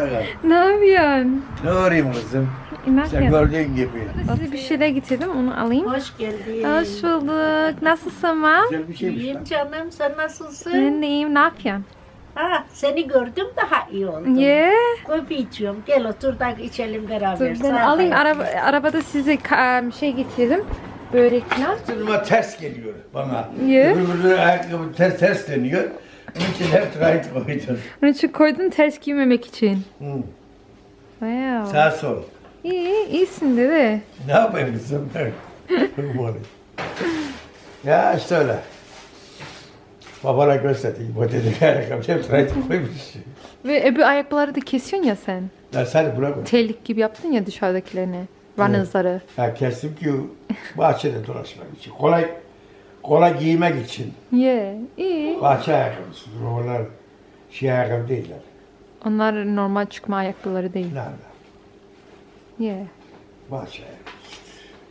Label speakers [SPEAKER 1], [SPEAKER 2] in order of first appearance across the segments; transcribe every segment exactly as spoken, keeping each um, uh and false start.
[SPEAKER 1] bakalım.
[SPEAKER 2] Ne yapıyorsun?
[SPEAKER 1] Ne arayayım kızım?
[SPEAKER 2] Ne
[SPEAKER 1] Sen
[SPEAKER 2] yapıyorsun?
[SPEAKER 1] gördüğün gibi.
[SPEAKER 2] Size bir şeyler getirdim, onu alayım.
[SPEAKER 3] Hoş geldin.
[SPEAKER 2] Hoş bulduk. Nasılsın mam?
[SPEAKER 1] Güzel bir şeymiş
[SPEAKER 3] İyiyim
[SPEAKER 1] lan.
[SPEAKER 3] canım, sen nasılsın?
[SPEAKER 2] Ben de iyiyim. Ne yapıyorsun?
[SPEAKER 3] Ha, seni gördüm daha iyi oldum.
[SPEAKER 2] Ye.
[SPEAKER 3] Kofi içiyorum. Gel otur da içelim beraber.
[SPEAKER 2] Dur, ben
[SPEAKER 3] Sağ
[SPEAKER 2] alayım.
[SPEAKER 3] ol.
[SPEAKER 2] Araba, arabada size ka- bir şey getirdim. Börek falan.
[SPEAKER 1] Sırtıma ters geliyor bana.
[SPEAKER 2] Ye.
[SPEAKER 1] Öbürü ayakkabı ters ters deniyor. Onun için hep right koydum.
[SPEAKER 2] Onun için koydun ters giymemek için.
[SPEAKER 1] Hı.
[SPEAKER 2] Wow.
[SPEAKER 1] Sağ sol.
[SPEAKER 2] İyi, iyisin dede.
[SPEAKER 1] Ne yapayım kızım? Ya işte öyle. Babana gösterdik. Bu dedi ayakkabı hep right koymuş.
[SPEAKER 2] Ve öbür ayakkabıları da kesiyorsun ya sen.
[SPEAKER 1] Ya sen bırak onu.
[SPEAKER 2] Terlik gibi yaptın ya dışarıdakilerini. Runners'ları.
[SPEAKER 1] Ya kestim ki bahçede dolaşmak için. Kolay kolay giymek için.
[SPEAKER 2] Ye. İyi.
[SPEAKER 1] Bahçe ayakkabısı. Onlar şey ayakkabı değiller.
[SPEAKER 2] Onlar normal çıkma ayakkabıları değil.
[SPEAKER 1] Nerede?
[SPEAKER 2] Ye.
[SPEAKER 1] Bahçe ayakkabısı.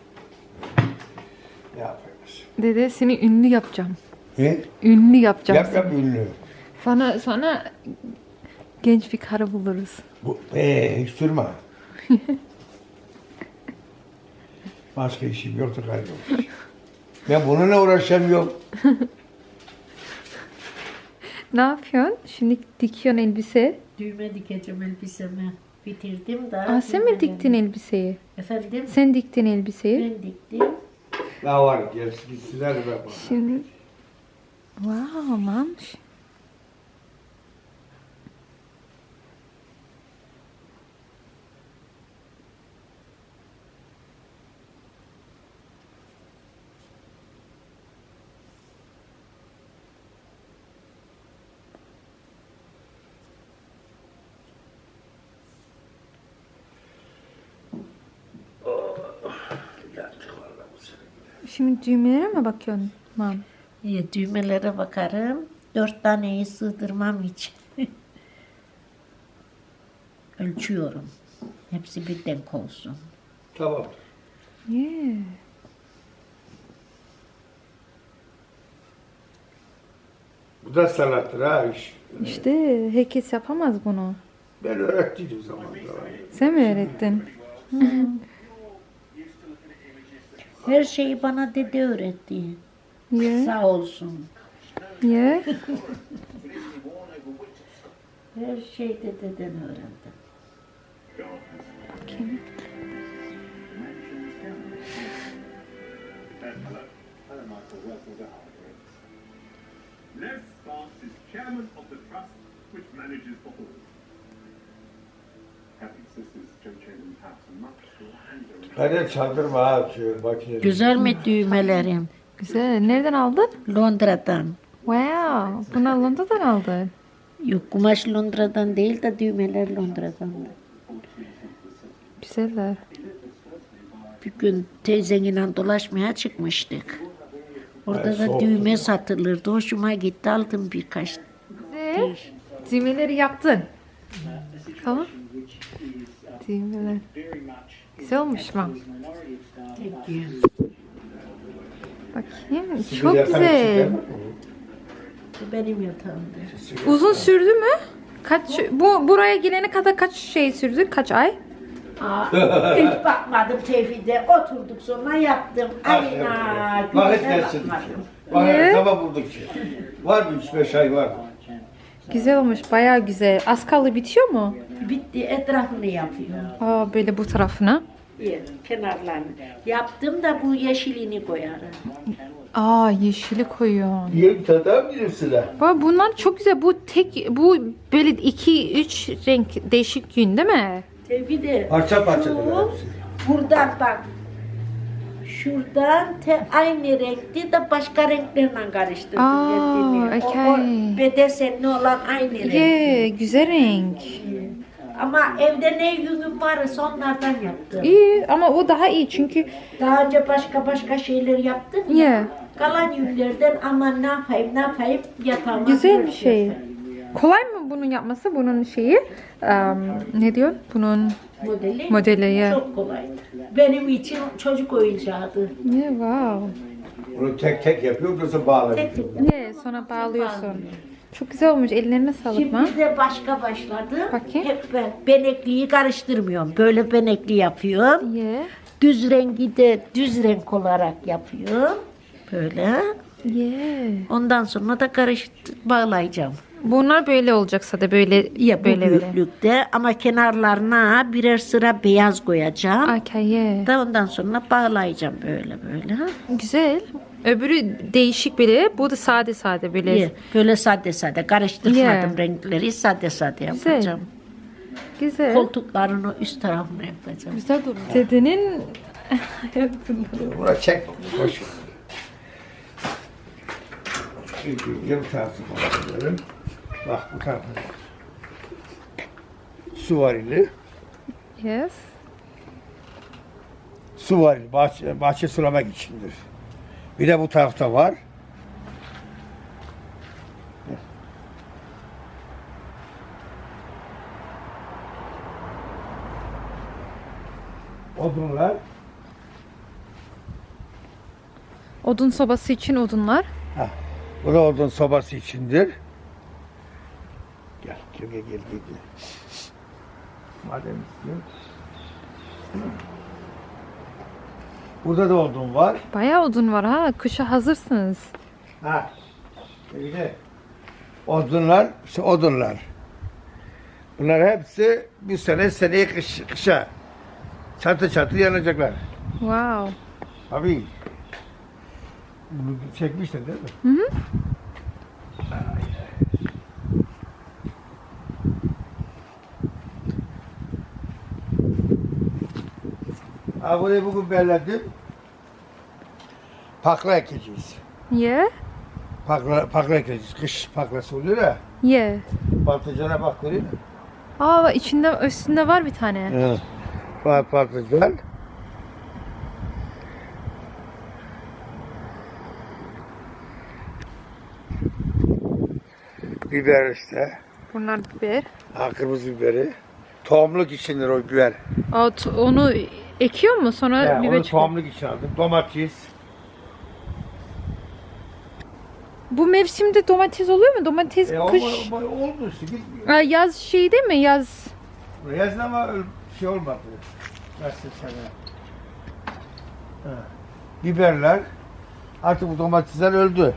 [SPEAKER 1] Ne yapıyoruz?
[SPEAKER 2] Dede seni ünlü yapacağım.
[SPEAKER 1] He?
[SPEAKER 2] Ünlü yapacağım
[SPEAKER 1] Yap
[SPEAKER 2] seni.
[SPEAKER 1] yap ünlü.
[SPEAKER 2] Sonra, sonra genç bir karı buluruz.
[SPEAKER 1] Bu, ee, hiç durma. Başka işim yoktu kaybolmuş. Ben bununla uğraşamıyorum.
[SPEAKER 2] Ne yapıyorsun? Şimdi dikiyorsun elbise.
[SPEAKER 3] Düğme dikeceğim elbisemi. Bitirdim da.
[SPEAKER 2] Aa, sen mi diktin elbiseyi?
[SPEAKER 3] Efendim?
[SPEAKER 2] Sen diktin elbiseyi.
[SPEAKER 3] Ben diktim.
[SPEAKER 1] Daha var, gerisi gitsinler be bana.
[SPEAKER 2] Şimdi... Wow, mamış. Şimdi düğmelere mi bakıyorsun mam?
[SPEAKER 3] İyi, düğmelere bakarım. Dört taneyi sığdırmam için. Ölçüyorum. Hepsi bir denk olsun.
[SPEAKER 1] Tamam.
[SPEAKER 2] Yeah.
[SPEAKER 1] Bu da sanattır ha iş.
[SPEAKER 2] İşte herkes yapamaz bunu.
[SPEAKER 1] Ben öğrettiydim zamanında.
[SPEAKER 2] Sen mi öğrettin?
[SPEAKER 3] Her şeyi bana dede öğretti.
[SPEAKER 2] Yeah.
[SPEAKER 3] Sağ olsun.
[SPEAKER 2] Yeah.
[SPEAKER 3] Her şeyi de dededen öğrendim.
[SPEAKER 2] Bakayım.
[SPEAKER 4] Les Sparks is chairman of the trust which manages the hall. Happy sisters Joe Chatham have much to hand over.
[SPEAKER 1] Hadi çaldırma ha şu makineyi.
[SPEAKER 3] Güzel mi düğmelerim?
[SPEAKER 2] Güzel. Nereden aldın?
[SPEAKER 3] Londra'dan.
[SPEAKER 2] Wow. Bunu Londra'dan aldın.
[SPEAKER 3] Yok, kumaş Londra'dan değil de düğmeler Londra'dan.
[SPEAKER 2] Güzeller.
[SPEAKER 3] Bir gün teyzenle dolaşmaya çıkmıştık. Orada
[SPEAKER 1] Ay,
[SPEAKER 3] da
[SPEAKER 1] soğuk
[SPEAKER 3] düğme
[SPEAKER 1] ya.
[SPEAKER 3] satılırdı. Hoşuma gitti, aldım birkaç.
[SPEAKER 2] Güzel. Düğmeleri yaptın. Tamam. Düğmeler. Güzel olmuş mu? Bakayım. Çok
[SPEAKER 1] Yatağı
[SPEAKER 2] güzel.
[SPEAKER 1] çıkar.
[SPEAKER 3] Benim yatağımda.
[SPEAKER 2] Uzun sürdü mü? Kaç bu buraya gelene kadar kaç şey sürdü? Kaç ay?
[SPEAKER 3] Aa, hiç bakmadım Tevhid'e. Oturduk sonra yaptım. Ayna.
[SPEAKER 1] Vakit
[SPEAKER 3] güne
[SPEAKER 1] geçsin.
[SPEAKER 3] bakmadım.
[SPEAKER 1] Vakit sabah bulduk ki. Var mı üç beş ay var.
[SPEAKER 2] Güzel olmuş. Bayağı güzel. Az kaldı bitiyor mu?
[SPEAKER 3] Bitti, etrafını yapıyorum.
[SPEAKER 2] Aa, böyle bu tarafına.
[SPEAKER 3] Yer, kenarlarını. Yaptım da bu yeşilini koyarım.
[SPEAKER 2] Aa, yeşili koyuyorsun.
[SPEAKER 1] Yiyelim tadar bilirsin ha.
[SPEAKER 2] Baba bunlar çok güzel. Bu tek bu böyle iki üç renk değişik gün değil mi?
[SPEAKER 3] Tevhid'e.
[SPEAKER 1] Parça parça
[SPEAKER 3] şu,
[SPEAKER 1] da hepsi.
[SPEAKER 3] buradan bak. Şuradan te aynı renkti de başka renklerle karıştırdım
[SPEAKER 2] Aa,
[SPEAKER 3] kendimi. O, o
[SPEAKER 2] okay.
[SPEAKER 3] bedesenli olan aynı renk.
[SPEAKER 2] Yeah, güzel renk.
[SPEAKER 3] Ama evde ne yünüm varsa onlardan yaptım.
[SPEAKER 2] İyi ama o daha iyi çünkü
[SPEAKER 3] Daha önce başka başka şeyler yaptım ya.
[SPEAKER 2] yeah,
[SPEAKER 3] Kalan yünlerden aman ne yapayım ne yapayım yatağıma.
[SPEAKER 2] güzel bir
[SPEAKER 3] dört
[SPEAKER 2] şey.
[SPEAKER 3] yapayım.
[SPEAKER 2] Kolay mı bunun yapması? Bunun şeyi um, ne diyor? Bunun
[SPEAKER 3] Modeli,
[SPEAKER 2] modeli ya.
[SPEAKER 3] çok kolaydı. Benim için çocuk oyuncağıydı.
[SPEAKER 2] Yeah, wow.
[SPEAKER 1] Bunu tek tek yapıyor, nasıl bağlanıyor?
[SPEAKER 3] Tek tek.
[SPEAKER 2] Yeah, sonra bağlıyorsun. Çok güzel olmuş. Ellerine sağlık mı?
[SPEAKER 3] Şimdi de başka başladı.
[SPEAKER 2] Bakayım.
[SPEAKER 3] Hep ben benekliyi karıştırmıyorum. Böyle benekli yapıyorum.
[SPEAKER 2] Ye.
[SPEAKER 3] Düz rengi de düz renk olarak yapıyorum. Böyle.
[SPEAKER 2] Ye.
[SPEAKER 3] Ondan sonra da karıştır bağlayacağım.
[SPEAKER 2] Bunlar böyle olacaksa da böyle
[SPEAKER 3] Ya bu
[SPEAKER 2] böyle böyle.
[SPEAKER 3] büyüklükte ama kenarlarına birer sıra beyaz koyacağım.
[SPEAKER 2] Okay, ye.
[SPEAKER 3] Da ondan sonra bağlayacağım böyle böyle.
[SPEAKER 2] Güzel. Öbürü değişik böyle. Bu da sade sade böyle.
[SPEAKER 3] İyi. Böyle sade sade karıştırmadım
[SPEAKER 2] Yeah.
[SPEAKER 3] renkleri, sade sade
[SPEAKER 2] Güzel.
[SPEAKER 3] yapacağım.
[SPEAKER 2] Güzel.
[SPEAKER 3] Koltuklarını üst tarafına yapacağım.
[SPEAKER 2] Güzel durmuş. Dedenin
[SPEAKER 1] Buna çek. Boş. Şimdi yarım tarafı koyuyorum. Bak bu tarafı. Su varili.
[SPEAKER 2] yes.
[SPEAKER 1] Su varili. Bahçe, bahçe sulamak içindir. Bir de bu tarafta var. Odunlar.
[SPEAKER 2] Odun sobası için odunlar.
[SPEAKER 1] Ha, bu da odun sobası içindir. Gel, gel, gel, gel, gel. Madem istiyorsun. Burada da odun var.
[SPEAKER 2] Bayağı odun var ha. Kışa hazırsınız.
[SPEAKER 1] Ha. Bir de odunlar, işte odunlar. Bunlar hepsi bu sene seneye kış, kışa çatı çatı yanacaklar.
[SPEAKER 2] Wow.
[SPEAKER 1] Abi. Bunu çekmiştin değil mi? Hı hı. Ha, burayı bugün belledim. Pakla ekeceğiz.
[SPEAKER 2] Ye.
[SPEAKER 1] Pakla, pakla ekeceğiz. Kış paklası oluyor ya.
[SPEAKER 2] Ye.
[SPEAKER 1] Patlıcana bak görüyor musun?
[SPEAKER 2] Aa, içinde üstünde var bir tane.
[SPEAKER 1] Evet. Pat, patlıcan. Biber işte.
[SPEAKER 2] Bunlar biber.
[SPEAKER 1] Ha, kırmızı biberi. Tohumluk içindir o biber.
[SPEAKER 2] Aa, t- onu ekiyor mu sonra
[SPEAKER 1] He,
[SPEAKER 2] biber
[SPEAKER 1] onu
[SPEAKER 2] çıkıyor?
[SPEAKER 1] tohumluk için aldım. Domates.
[SPEAKER 2] Bu mevsimde domates oluyor mu? Domates
[SPEAKER 1] E,
[SPEAKER 2] kış.
[SPEAKER 1] olma, olma, oldu işte. Gitmiyor.
[SPEAKER 2] Aa, yaz şey değil mi? Yaz.
[SPEAKER 1] Yazın ama öyle şey olmadı. Nasıl sana? Ha. Biberler. Artık bu domatesler öldü.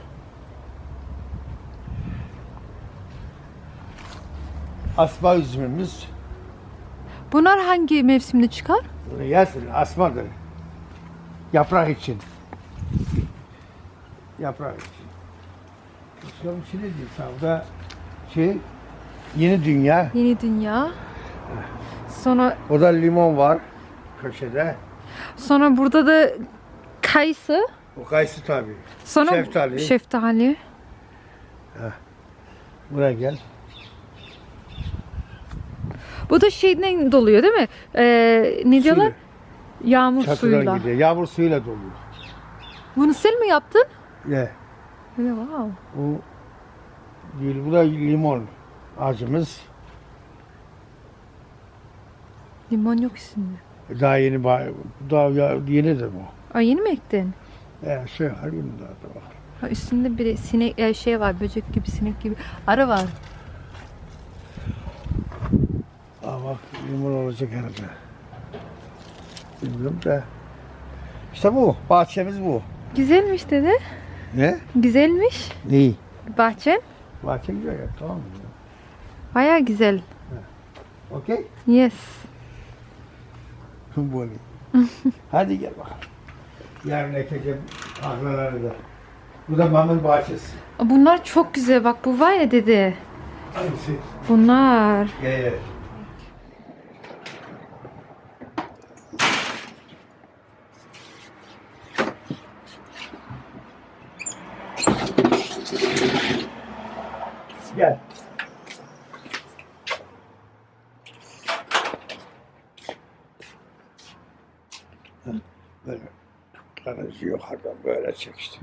[SPEAKER 1] Asma üzümümüz.
[SPEAKER 2] Bunlar hangi mevsimde çıkar?
[SPEAKER 1] Yazın asmadır. Yaprak için. Yaprak için. Şunun içi ne diyor? Savda şey, yeni dünya.
[SPEAKER 2] Yeni dünya. Sonra
[SPEAKER 1] O da limon var köşede.
[SPEAKER 2] sonra burada da kayısı.
[SPEAKER 1] O kayısı tabii.
[SPEAKER 2] Sonra
[SPEAKER 1] Şeftali.
[SPEAKER 2] şeftali.
[SPEAKER 1] Buraya gel.
[SPEAKER 2] Bu da şeyden doluyor değil mi? Ee, ne diyorlar? Yağmur
[SPEAKER 1] Çatıdan
[SPEAKER 2] suyuyla.
[SPEAKER 1] gidiyor. Yağmur suyuyla doluyor.
[SPEAKER 2] Bunu sen mi yaptın?
[SPEAKER 1] Ne?
[SPEAKER 2] Öyle wow.
[SPEAKER 1] Bu değil, bu da limon ağacımız.
[SPEAKER 2] Limon yok üstünde.
[SPEAKER 1] Daha yeni, ba- daha ya- yenidir bu.
[SPEAKER 2] Aa, yeni mi ektin?
[SPEAKER 1] Ee, şey var bunda da bak.
[SPEAKER 2] Ha, üstünde bir sinek e, şey var, böcek gibi, sinek gibi. Arı var.
[SPEAKER 1] Aa bak limon olacak herhalde. Bilmiyorum da. İşte bu, bahçemiz bu.
[SPEAKER 2] Güzelmiş dede.
[SPEAKER 1] Ne?
[SPEAKER 2] Güzelmiş.
[SPEAKER 1] Neyi?
[SPEAKER 2] Bahçen.
[SPEAKER 1] Bahçe güzel ya, tamam mı?
[SPEAKER 2] Baya güzel.
[SPEAKER 1] Okey?
[SPEAKER 2] Yes.
[SPEAKER 1] Böyle. Hadi gel bakalım. Yarın ekeceğim tarlaları da. Bu da mamın bahçesi.
[SPEAKER 2] Bunlar çok güzel. Bak bu var ya dede.
[SPEAKER 1] Hangisi?
[SPEAKER 2] Bunlar.
[SPEAKER 1] Gel gel. Gel. Heh, böyle garajı yukarıdan böyle çek işte.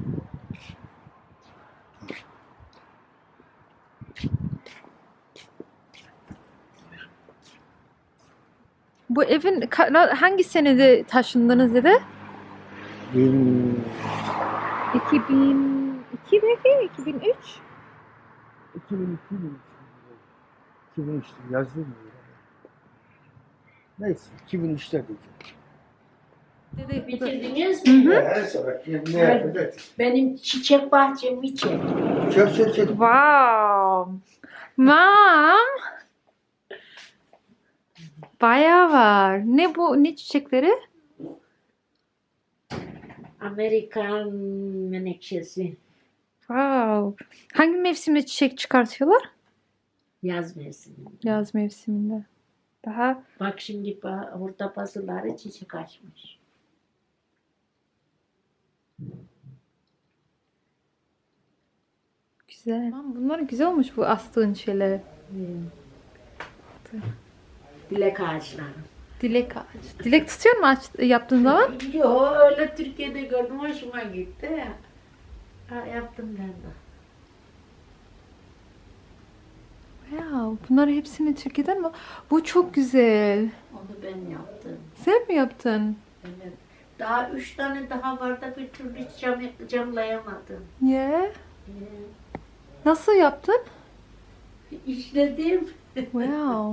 [SPEAKER 2] Bu evin ka- hangi senede taşındınız dede?
[SPEAKER 1] Bin,
[SPEAKER 2] iki bin iki belki? iki bin üç?
[SPEAKER 1] iki bin iki mi? iki bin üçte yazdım mı? Neyse iki bin üçte diyeceğim.
[SPEAKER 2] Dede,
[SPEAKER 3] Bitirdiniz mi?
[SPEAKER 1] Her sabah ne yapacak?
[SPEAKER 3] Benim çiçek bahçemi çek.
[SPEAKER 1] Çök çök çök.
[SPEAKER 2] Wow. Mom. Bayağı var. Ne bu? Ne çiçekleri?
[SPEAKER 3] Amerikan menekşesi.
[SPEAKER 2] Wow. Hangi mevsimde çiçek çıkartıyorlar?
[SPEAKER 3] Yaz mevsiminde.
[SPEAKER 2] Yaz mevsiminde. Daha
[SPEAKER 3] Bak şimdi ba- orada bazıları çiçek açmış.
[SPEAKER 2] güzel. Aman bunlar güzel olmuş bu astığın şeyler.
[SPEAKER 3] Hmm. Dilek ağaçları.
[SPEAKER 2] Dilek ağacı. Dilek tutuyor mu aç, yaptığın zaman?
[SPEAKER 3] Yo öyle Türkiye'de gördüm hoşuma gitti. Ha, yaptım ben de.
[SPEAKER 2] Wow. Bunlar hepsini Türkiye'den mi? Bu çok güzel.
[SPEAKER 3] Onu ben yaptım.
[SPEAKER 2] Sen mi yaptın?
[SPEAKER 3] Evet. Daha üç tane daha var da bir türlü cam, camlayamadım.
[SPEAKER 2] Yeah.
[SPEAKER 3] Ee,
[SPEAKER 2] Nasıl yaptın?
[SPEAKER 3] işledim.
[SPEAKER 2] Wow.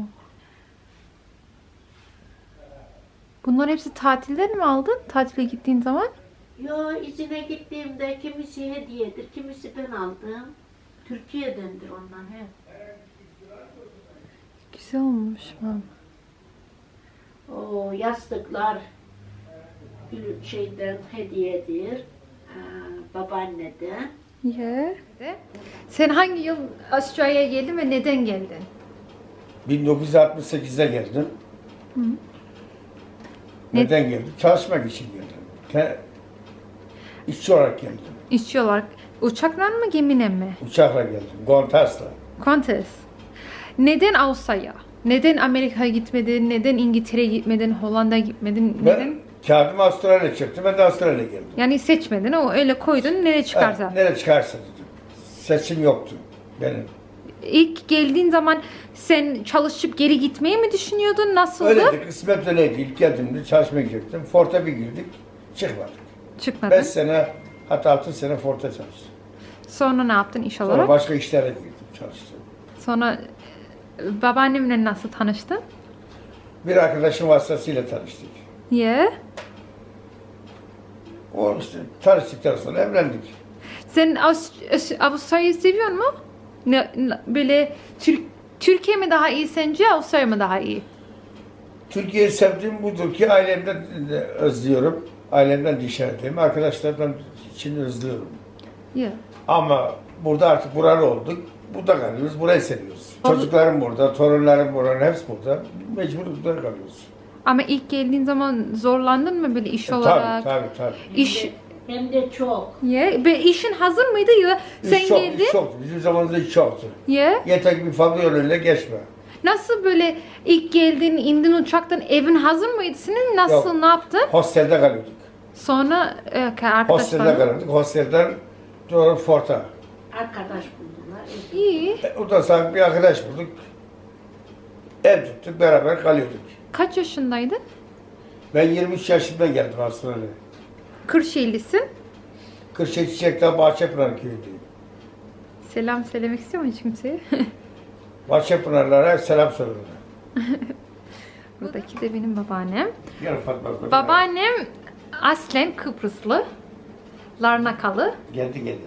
[SPEAKER 2] Bunlar hepsi tatilden mi aldın? Tatile gittiğin zaman?
[SPEAKER 3] Yo izine gittiğimde kimisi hediyedir, kimisi ben aldım. Türkiye'dendir onlar hep.
[SPEAKER 2] Güzel olmuş mam.
[SPEAKER 3] O yastıklar gül- şeyden hediyedir. Ee, babaanneden.
[SPEAKER 2] Yeah. Sen hangi yıl Avustralya'ya geldin ve neden geldin?
[SPEAKER 1] bin dokuz yüz altmış sekizde geldim. Neden geldim? Çalışmak için geldim. Te- İşçi olarak geldim.
[SPEAKER 2] İşçi olarak. Uçakla mı gemine mi?
[SPEAKER 1] Uçakla geldim. Qantas'la.
[SPEAKER 2] Qantas. Neden Avustralya? Neden Amerika'ya gitmedin? Neden İngiltere'ye gitmedin? Hollanda'ya gitmedin? Neden?
[SPEAKER 1] Ben kağıdımı Avustralya çıktı. Ben de Avustralya'ya geldim.
[SPEAKER 2] Yani seçmedin. O öyle koydun. Nereye çıkarsa.
[SPEAKER 1] Ha, nereye çıkarsa dedim. Seçim yoktu benim.
[SPEAKER 2] İlk geldiğin zaman sen çalışıp geri gitmeyi mi düşünüyordun? Nasıldı?
[SPEAKER 1] Öyleydi. Kısmet öyleydi. İlk geldiğimde çalışmaya gidecektim. Fort'a bir girdik. Çıkmadık.
[SPEAKER 2] Çıkmadın.
[SPEAKER 1] beş sene hatta altı sene Fort'a çalıştım.
[SPEAKER 2] Sonra ne yaptın iş
[SPEAKER 1] Sonra
[SPEAKER 2] olarak?
[SPEAKER 1] başka işlere girdim. Çalıştım.
[SPEAKER 2] Sonra e, babaannemle nasıl tanıştın?
[SPEAKER 1] Bir arkadaşım vasıtasıyla tanıştık.
[SPEAKER 2] Yeah.
[SPEAKER 1] O işte tanıştıktan sonra evlendik.
[SPEAKER 2] Sen Avust- Avustralya'yı seviyor mu? Ne, ne- böyle Türk Türkiye mi daha iyi sence, Avustralya mı daha iyi?
[SPEAKER 1] Türkiye'yi sevdiğim budur ki ailemden de özlüyorum. Ailemden dışarıdayım. Arkadaşlardan için özlüyorum.
[SPEAKER 2] Yeah.
[SPEAKER 1] Ama burada artık buralı olduk. Burada kalıyoruz. Burayı seviyoruz.
[SPEAKER 2] Ol-
[SPEAKER 1] Çocuklarım burada, torunlarım burada, hepsi burada. Mecbur burada kalıyoruz.
[SPEAKER 2] Ama ilk geldiğin zaman zorlandın mı böyle iş
[SPEAKER 1] E,
[SPEAKER 2] olarak?
[SPEAKER 1] Tabii tabii tabii.
[SPEAKER 2] İş,
[SPEAKER 3] Hem de çok.
[SPEAKER 2] yeah. Be, işin hazır mıydı ya? Sen
[SPEAKER 1] İş çok,
[SPEAKER 2] geldin.
[SPEAKER 1] iş çoktu. Bizim zamanımızda iş çoktu.
[SPEAKER 2] Yeah.
[SPEAKER 1] Yeter ki bir fabrika yoluyla geçme.
[SPEAKER 2] Nasıl böyle ilk geldin, indin uçaktan, evin hazır mıydı senin? Nasıl,
[SPEAKER 1] Yok.
[SPEAKER 2] ne yaptın?
[SPEAKER 1] Hostelde kalıyorduk.
[SPEAKER 2] Sonra e,
[SPEAKER 1] Hostelde
[SPEAKER 2] arkadaşlar.
[SPEAKER 1] kalıyorduk. Hostelden doğru Fort'a.
[SPEAKER 3] Arkadaş buldular.
[SPEAKER 2] İyi.
[SPEAKER 1] E, Ondan sonra bir arkadaş bulduk. Ev tuttuk, beraber kalıyorduk.
[SPEAKER 2] Kaç yaşındaydın?
[SPEAKER 1] Ben yirmi üç yaşında geldim Avustralya'ya.
[SPEAKER 2] Kırşehirlisin.
[SPEAKER 1] Kırşehir Çiçek'ten Bahçepınar köyündeyim.
[SPEAKER 2] Selam söylemek istiyor musun hiç kimseye?
[SPEAKER 1] Bahçepınarlara selam söylüyorum.
[SPEAKER 2] Buradaki de benim babaannem.
[SPEAKER 1] Gel Fatma. abla.
[SPEAKER 2] Babaannem aslen Kıbrıslı. Larnakalı.
[SPEAKER 1] Geldi geldi.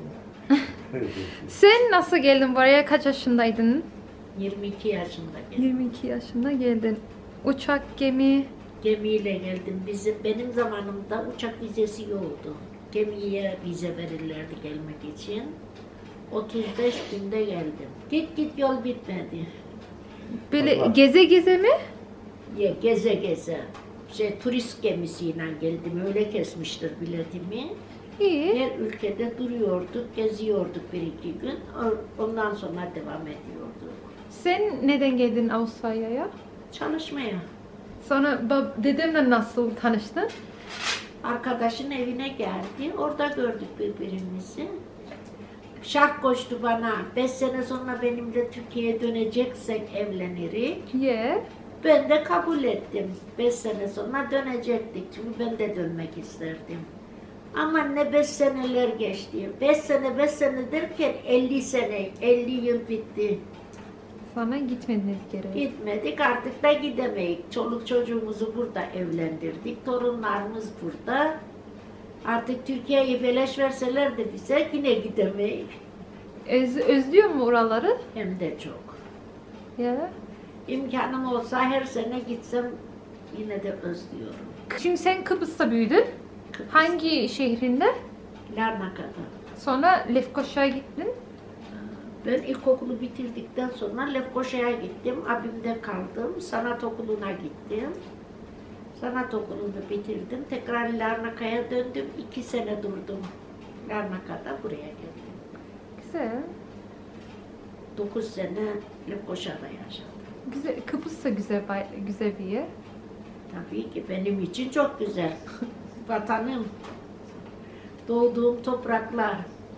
[SPEAKER 2] Sen nasıl geldin buraya? Kaç yaşındaydın?
[SPEAKER 3] yirmi iki yaşında geldim.
[SPEAKER 2] yirmi iki yaşında geldin. Uçak, gemi.
[SPEAKER 3] Gemiyle geldim. Bizim benim zamanımda uçak vizesi yoktu. Gemiye vize verirlerdi gelmek için. otuz beş günde geldim. Git git yol bitmedi.
[SPEAKER 2] Böyle
[SPEAKER 1] Allah.
[SPEAKER 2] geze geze mi?
[SPEAKER 3] Ya, geze geze. Şey, turist gemisiyle geldim. Öyle kesmiştir biletimi.
[SPEAKER 2] İyi.
[SPEAKER 3] Her ülkede duruyorduk, geziyorduk bir iki gün. O- Ondan sonra devam ediyorduk.
[SPEAKER 2] Sen neden geldin Avustralya'ya?
[SPEAKER 3] Çalışmaya.
[SPEAKER 2] Sonra bab- dedemle nasıl tanıştın?
[SPEAKER 3] Arkadaşın evine geldi. Orada gördük birbirimizi. Şart koştu bana. Beş sene sonra benimle Türkiye'ye döneceksek evlenirik.
[SPEAKER 2] Yeah.
[SPEAKER 3] Ben de kabul ettim. Beş sene sonra dönecektik. Çünkü ben de dönmek isterdim. Ama ne beş seneler geçti. Beş sene beş sene derken elli sene, elli yıl bitti.
[SPEAKER 2] Sonra gitmediniz geri.
[SPEAKER 3] Gitmedik artık da gidemeyik. Çoluk çocuğumuzu burada evlendirdik. Torunlarımız burada. Artık Türkiye'yi beleş verseler de bize yine gidemeyik.
[SPEAKER 2] Öz, özlüyor mu oraları?
[SPEAKER 3] Hem de çok.
[SPEAKER 2] Ya.
[SPEAKER 3] İmkanım olsa her sene gitsem yine de özlüyorum.
[SPEAKER 2] Şimdi sen Kıbrıs'ta büyüdün.
[SPEAKER 3] Kıbrıs,
[SPEAKER 2] Hangi şehrinde?
[SPEAKER 3] Larnaka'da.
[SPEAKER 2] Sonra Lefkoşa'ya gittin.
[SPEAKER 3] Ben ilkokulu bitirdikten sonra Lefkoşa'ya gittim. Abimde kaldım. Sanat okuluna gittim. Sanat okulunu bitirdim. Tekrar Larnaka'ya döndüm. İki sene durdum. Larnaka'da buraya geldim.
[SPEAKER 2] Güzel.
[SPEAKER 3] Dokuz sene Lefkoşa'da yaşadım.
[SPEAKER 2] Güzel. Kıbrıs da güzel, bay- güzel bir yer.
[SPEAKER 3] Tabii ki benim için çok güzel. Vatanım. Doğduğum topraklar.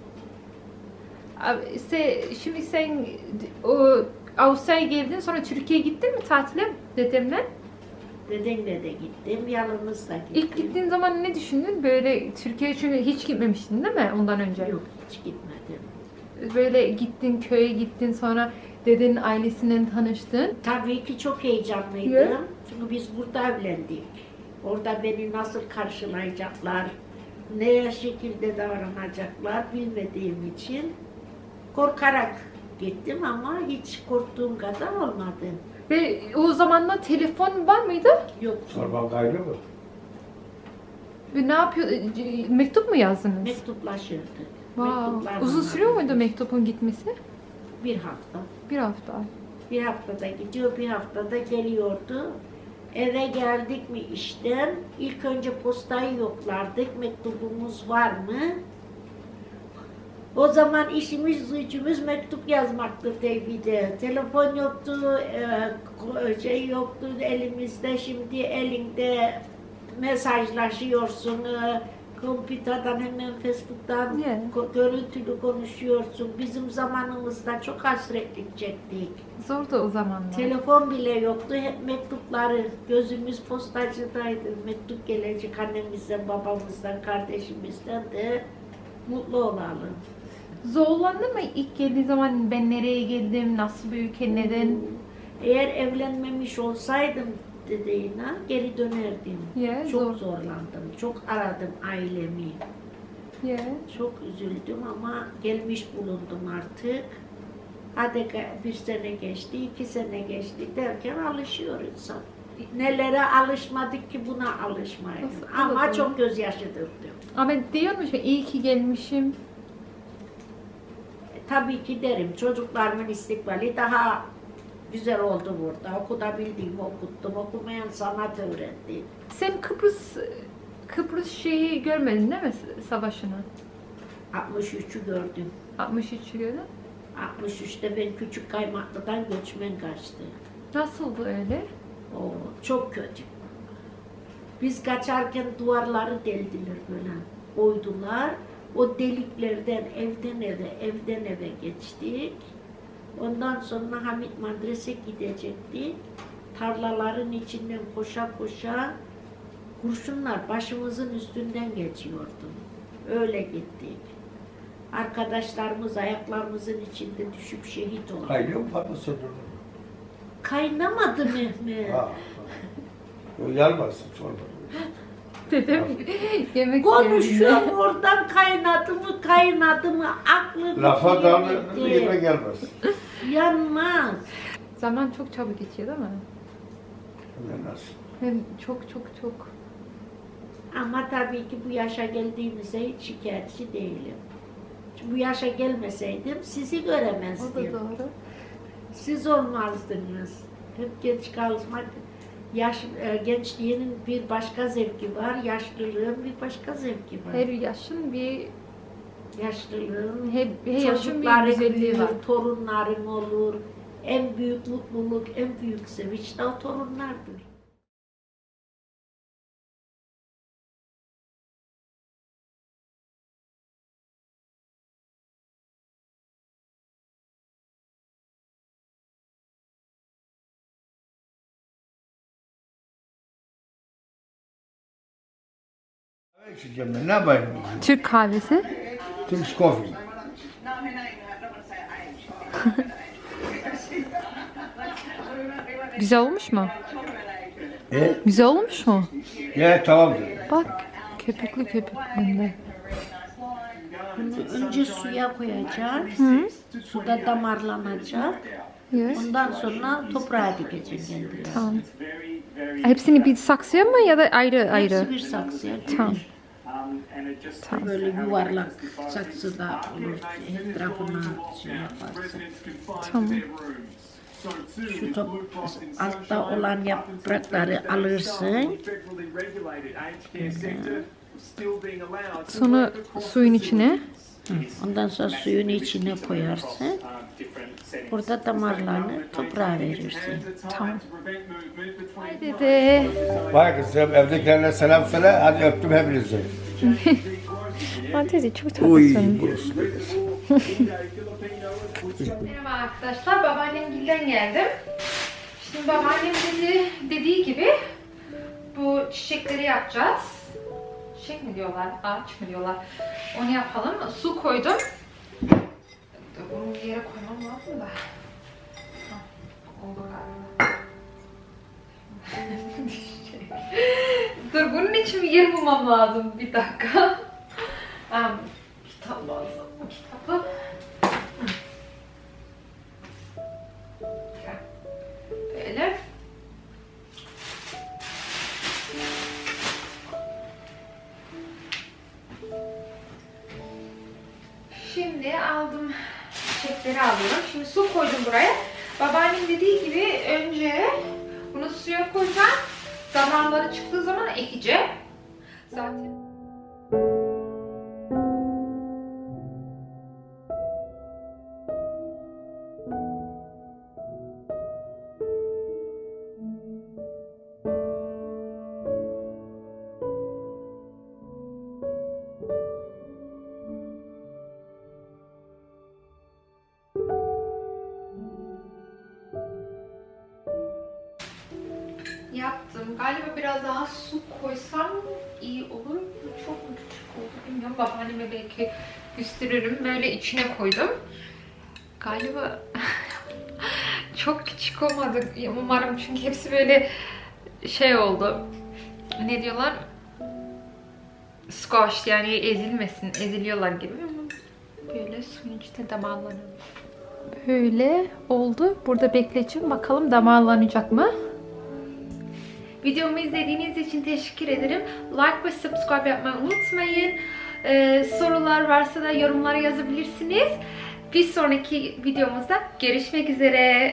[SPEAKER 2] Abi, se, şimdi sen o Avustralya'ya geldin, sonra Türkiye'ye gittin mi tatile dedemle?
[SPEAKER 3] Dedemle de gittim. Yalnız da gittim.
[SPEAKER 2] İlk gittiğin zaman ne düşündün? Böyle Türkiye'ye çünkü hiç gitmemiştin değil mi ondan önce?
[SPEAKER 3] Yok, hiç gitmedim.
[SPEAKER 2] Böyle gittin, köye gittin, sonra dedenin ailesinden tanıştın.
[SPEAKER 3] Tabii ki çok heyecanlıydım.
[SPEAKER 2] Ya.
[SPEAKER 3] Çünkü biz burada evlendik. Orada beni nasıl karşılayacaklar, ne şekilde davranacaklar bilmediğim için korkarak gittim ama hiç korktuğum kadar olmadı.
[SPEAKER 2] Ve o zamanlar telefon var mıydı?
[SPEAKER 3] Yok.
[SPEAKER 1] Sorban gayrı mı?
[SPEAKER 2] Ve ne yapıyor? Mektup mu yazdınız?
[SPEAKER 3] Mektuplaşırdık.
[SPEAKER 2] Wow.
[SPEAKER 3] Mektuplarla
[SPEAKER 2] Uzun sürüyor muydu
[SPEAKER 3] haberleştik.
[SPEAKER 2] mektubun gitmesi?
[SPEAKER 3] Bir hafta.
[SPEAKER 2] Bir hafta.
[SPEAKER 3] Bir haftada gidiyor, bir haftada geliyordu. Eve geldik mi işten, ilk önce postayı yoklardık, mektubumuz var mı? O zaman işimiz, gücümüz mektup yazmaktı tevhide. Telefon yoktu, e, şey yoktu elimizde, şimdi elinde mesajlaşıyorsun. e, Kompüterden hemen Facebook'tan
[SPEAKER 2] Yeah.
[SPEAKER 3] ko- görüntülü konuşuyorsun. Bizim zamanımızda çok hasretlik çektik.
[SPEAKER 2] Zordu o zamanlar.
[SPEAKER 3] Telefon bile yoktu. Hep mektupları. Gözümüz postacıdaydı. Mektup gelecek annemizden, babamızdan, kardeşimizden de mutlu olalım.
[SPEAKER 2] Zorlandın mı ilk geldiği zaman ben nereye geldim, nasıl bir ülke, neden?
[SPEAKER 3] Eğer evlenmemiş olsaydım dediğine geri dönerdim.
[SPEAKER 2] Yeah,
[SPEAKER 3] Çok
[SPEAKER 2] zor.
[SPEAKER 3] zorlandım. Çok aradım ailemi.
[SPEAKER 2] Yeah.
[SPEAKER 3] Çok üzüldüm ama gelmiş bulundum artık. Hadi ge- bir sene geçti, iki sene geçti derken alışıyor insan. Nelere alışmadık ki buna alışmayın.
[SPEAKER 2] Nasıl
[SPEAKER 3] Ama
[SPEAKER 2] olabilir?
[SPEAKER 3] çok gözyaşı döktüm.
[SPEAKER 2] Ama diyormuş ki iyi ki gelmişim.
[SPEAKER 3] E, tabii ki derim çocuklarımın istikbali daha güzel oldu burada. Okudabildiğimi okuttum, okumayan sanat öğrendim.
[SPEAKER 2] Sen Kıbrıs Kıbrıs şeyi görmedin değil mi savaşını?
[SPEAKER 3] altmış üçü gördüm.
[SPEAKER 2] altmış üçü gördün.
[SPEAKER 3] altmış üçte ben Küçük Kaymaklı'dan göçmen kaçtı.
[SPEAKER 2] Nasıldı öyle?
[SPEAKER 3] O çok kötü. Biz kaçarken duvarları deldiler böyle. Oydular. O deliklerden evden eve, evden eve geçtik. Ondan sonra Hamit Madres'e gidecektik. Tarlaların içinden koşa koşa kurşunlar başımızın üstünden geçiyordu. Öyle gittik. Arkadaşlarımız ayaklarımızın içinde düşüp şehit oldu.
[SPEAKER 1] Kaynıyor mu patlasın?
[SPEAKER 3] Kaynamadı Mehmet.
[SPEAKER 1] Ha. O yanmasın çorba.
[SPEAKER 2] Dedem yemek
[SPEAKER 3] Konuşuyor
[SPEAKER 2] yerinde.
[SPEAKER 3] oradan kaynadı mı kaynadı mı aklım
[SPEAKER 1] Lafa damla
[SPEAKER 3] gitti.
[SPEAKER 1] yeme gelmez.
[SPEAKER 3] Yanmaz.
[SPEAKER 2] Zaman çok çabuk geçiyor değil mi?
[SPEAKER 1] Yanmaz.
[SPEAKER 2] Hem çok çok çok.
[SPEAKER 3] Ama tabii ki bu yaşa geldiğimizde hiç şikayetçi değilim. Çünkü bu yaşa gelmeseydim sizi
[SPEAKER 2] O da
[SPEAKER 3] göremezdim.
[SPEAKER 2] doğru.
[SPEAKER 3] Siz olmazdınız. Hep genç kalmak, yaş, e, gençliğinin bir başka zevki var, yaşlılığın bir başka zevki var.
[SPEAKER 2] Her yaşın bir
[SPEAKER 3] Yaşlılığın,
[SPEAKER 2] her, her yaşın bir
[SPEAKER 3] çocukların
[SPEAKER 2] güzelliği var.
[SPEAKER 3] büyür, torunların olur. En büyük mutluluk, en büyük sevinç de o torunlardır.
[SPEAKER 1] İçeceğim ben, ne yapayım?
[SPEAKER 2] Türk kahvesi.
[SPEAKER 1] Turkish coffee.
[SPEAKER 2] Güzel olmuş mu?
[SPEAKER 1] E?
[SPEAKER 2] Güzel olmuş mu?
[SPEAKER 1] Ya tamamdır.
[SPEAKER 2] Bak köpüklü köpüklü.
[SPEAKER 3] Bunu önce suya koyacaksın. Suda damarlanacak.
[SPEAKER 2] Yes.
[SPEAKER 3] Ondan sonra toprağa dikeceksin kendine.
[SPEAKER 2] Tamam. Hepsini bir saksıya mı ya da ayrı ayrı?
[SPEAKER 3] Hepsi bir saksıya.
[SPEAKER 2] Tamam.
[SPEAKER 3] Tamam. Böyle yuvarlak saksıda olur. Etrafına şey yaparsın.
[SPEAKER 2] Tamam.
[SPEAKER 3] Şu top, altta olan yaprakları alırsın.
[SPEAKER 2] Sonra suyun içine.
[SPEAKER 3] Ondan sonra suyun içine koyarsın. Burada damarlarını toprağa verirsin.
[SPEAKER 2] Tamam. Haydi de.
[SPEAKER 1] Vay kızım, evdekilerine selam söyle. Hadi öptüm hepinizi.
[SPEAKER 2] Hadi çok
[SPEAKER 1] Uy,
[SPEAKER 2] tatlısın.
[SPEAKER 1] burası.
[SPEAKER 2] Merhaba arkadaşlar, babaannemgilden geldim. Şimdi babaannem dedi, dediği gibi bu çiçekleri yapacağız. Çiçek mi diyorlar, ağaç mı diyorlar? Onu yapalım. Su koydum. Dur, bunu bir yere koymam lazım da. Hah, oldu galiba. Dur, bunun için bir yer bulmam lazım. Bir dakika. Um, kitap lazım. Kitabı. Böyle. Şimdi aldım çiçekleri alıyorum. Şimdi su koydum buraya. Babaannem dediği gibi önce bunu suya koyacağım. Damarları çıktığı zaman ekeceğim. Zaten yaptım. Galiba biraz daha su koysam iyi olur. Çok mu küçük oldu bilmiyorum. Babaanneme belki gösteririm. Böyle içine koydum. Galiba çok küçük olmadı. Umarım, çünkü hepsi böyle şey oldu. Ne diyorlar? Squash, yani ezilmesin. Eziliyorlar gibi. Böyle suyun içinde damarlanıyor. Böyle oldu. Burada bekleyeceğim. Bakalım damarlanacak mı? Videomu izlediğiniz için teşekkür ederim. Like ve subscribe yapmayı unutmayın. Ee, sorular varsa da yorumlara yazabilirsiniz. Bir sonraki videomuzda görüşmek üzere.